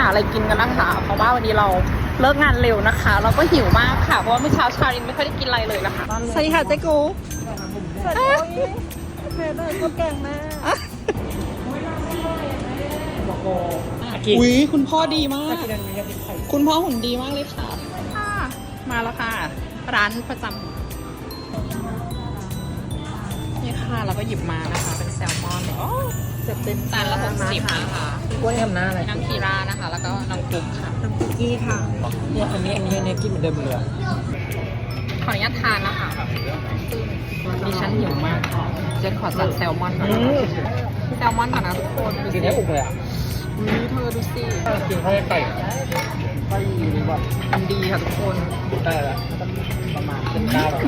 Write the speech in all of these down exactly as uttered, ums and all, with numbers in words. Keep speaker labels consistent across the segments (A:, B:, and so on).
A: อะไรกินกันนะคะเพราะว่าวันนี้เราเลิกงานเร็วนะคะเราก็หิวมากค่ะเพราะว่าเมื่อเช้าชาลินไม่ค่อยได้กินอะไรเลยนะคะสวัสดีค่ะเจ๊กูสวัสดีแม่ได้ก็แกงแม่อุ้ยคุณพ่อดีมากคุณพ่อหุ่นดีมากเลยค่ะมาแล้วค่ะร้านประจำนี่ค่ะเราก็หยิบมานะคะเป็นแซลมอนโอ้จะเป็นจานละหกสิบนะคะกล้วยทำหน้าอะไรน้ำคีรานะคะแล้วก็น้ำกุ๊กค่ะน้ำกุ๊กกี้ค่ะเนี่ยอันนี้อันนี้อันนี้กินเหมือนเดิมเลยขออนุญาตทานนะคะดิฉันหิวมากค่ะเจ๊ขอสั่งแซลมอนก่อนแซลมอนก่อนนะทุกคนดูสิได้อุกเลยอ่ะนี่เธอดูสิกินข้าวไก่ไก่แบบมันดีค่ะทุกคนได้แล้วประมาณเป็นเก้าแล้ว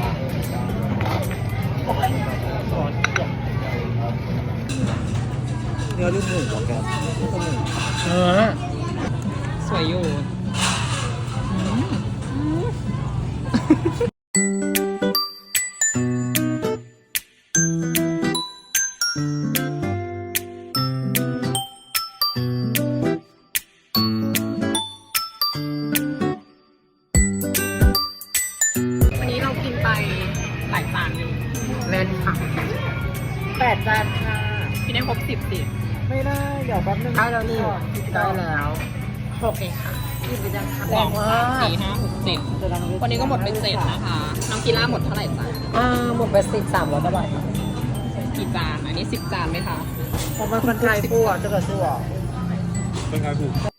A: เนื้อรุ่นหนึ่งของแกเออสวยอยู่วันนี้เรากินไปหลายจานอยู่เล่นค่ะแปดจานค่ะกินได้ครบสิบสิไม่ได้เดี๋ยวแป๊บนึงได้แล้วนี่ได้แล้วโอเคค่ะกินไปยังค่ะสองสามสี่ห้าหกเจ็ดวันนี้ก็หมดไปเจ็ดนะคะน้องกีฬาหมดเท่าไหร่จ้ะอ่าหมดไปสิบสามร้อยกว่าบาทกี่จานอันนี้สิบจานไหมคะเพราะมันคนไทยปูอ่ะจะกระชัวคนไทยปู